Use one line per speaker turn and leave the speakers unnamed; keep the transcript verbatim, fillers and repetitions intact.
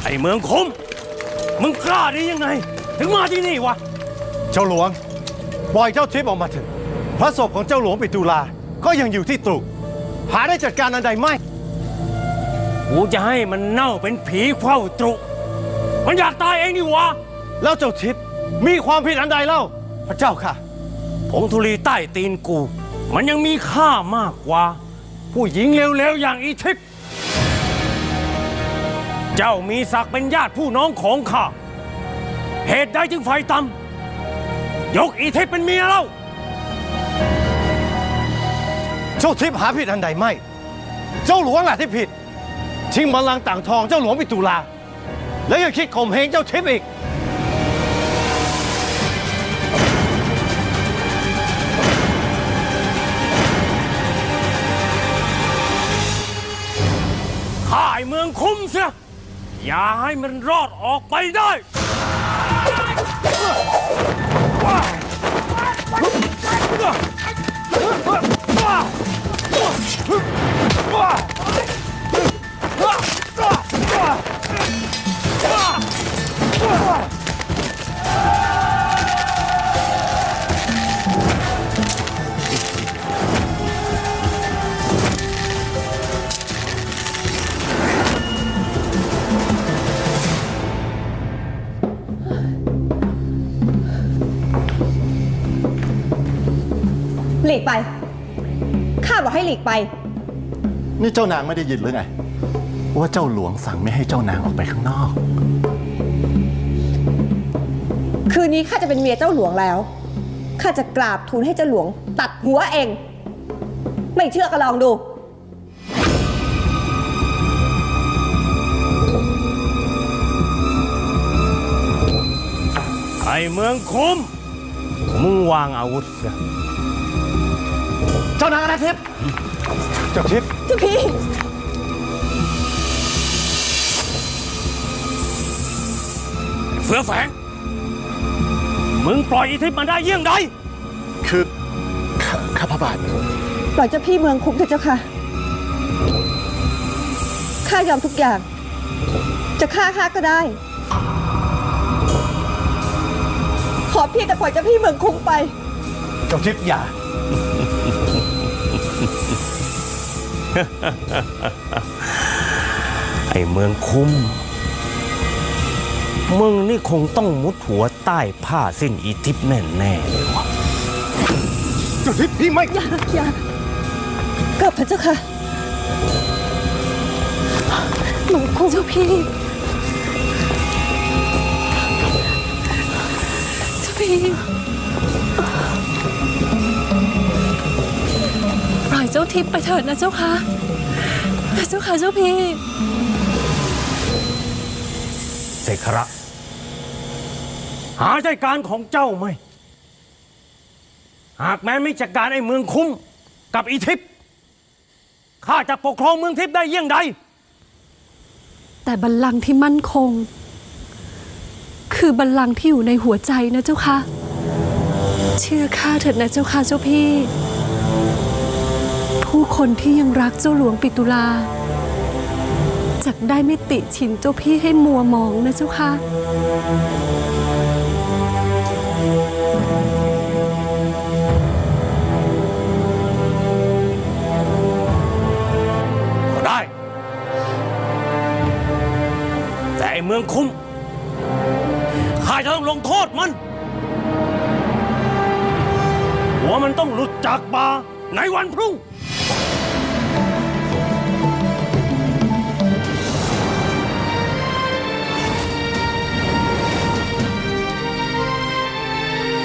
ไอ้เมืองคมมึงกล้าได้ยังไงถึงมาที่นี่วะ
เจ้าหลวงปล่อยเจ้าทิพย์ออกมาเถอะพระศพของเจ้าหลวงปิตุลาก็ยังอยู่ที่ตรุหาได้จัดการอันใดไม่
กูจะให้มันเน่าเป็นผีเฝ้าตรุมันอยากตายเองนี่วะ
แล้วเจ้าทิพย์มีความผิดอันใดเล่าพระเจ้าค่ะ
ผงธุลีใต้ตีนกูมันยังมีค่ามากกว่าผู้หญิงเลวๆอย่างอีทิพย์เจ้ามีศักดิ์เป็นญาติผู้น้องของข้าเหตุใดจึงไฟต่ำยกอีทิพย์เป็นเมียเล่า
เจ้าทิพย์หาผิดอันใดไม่เจ้าหลวงแหละที่ผิดชิงบัลลังก์ต่างทองเจ้าหลวงปิตุลาแล้วยังคิดข่มเหงเจ้าทิพย์อีก
ข้าไอ้เมืองคุ้มเสียอย่าให้มันรอดออกไปได้
หลีกไปข้าบอกให้หลีกไป
นี่เจ้านางไม่ได้ยินหรือไงว่าเจ้าหลวงสั่งไม่ให้เจ้านางออกไปข้างนอก
คืนนี้ข้าจะเป็นเมียเจ้าหลวงแล้วข้าจะกราบทูลให้เจ้าหลวงตัดหัวเองไม่เชื่อก็ลองดู
ไอ้เมืองคุ้มมึงวางอาวุธเสีย
เจ้านางอาทิตย์เจ้าทิพย์
เจ้าพี่
เสือแฝงมึงปล่อยอีทิพย์มันได้เยี่ยงใด
คือข้าพระบาท
ปล่อยเจ้าพี่เมืองคุ้มเถอะเจ้าค่ะข้ายอมทุกอย่างจะฆ่าข้าก็ได้ขอเพียงแต่ปล่อยเจ้าพี่เมืองคุ้มไป
เจ้าทิพย์อย่า
ไอ้เมืองคุ้มมึงนี่คงต้องมุดหัวใต้ผ้าสิ้นอีทิพย์แน่ๆเลยวะ
เจ้าทิพย์พี่ไม่
อย่าอย่ากลับพระเจ้าค่ะเมืองคุ้มเจ้าพี่เจ้าพี่ปล่อยเจ้าทิพย์ไปเถิดนะเจ้าค่ะเจ้าค่ะเจ้าพี่
เสกระหาใจการของเจ้าไหมหากแม้ไม่จัดการไอ้เมืองคุ้มกับอีทิพย์ข้าจะปกครองเมืองทิพย์ได้เยี่ยงใด
แต่บัลลังก์ที่มั่นคงคือบัลลังก์ที่อยู่ในหัวใจนะเจ้าค่ะเชื่อข้าเถิดนะเจ้าค่ะเจ้าพี่ผู้คนที่ยังรักเจ้าหลวงปิตุลาจักได้ไม่ติฉินเจ้าพี่ให้มัวมองนะเจ้าค่ะ
ก็ได้แต่ไอ้เมืองคุ้มข้าจะต้องลงโทษมันหัวมันต้องหลุดจากป่าในวันพรุ่ง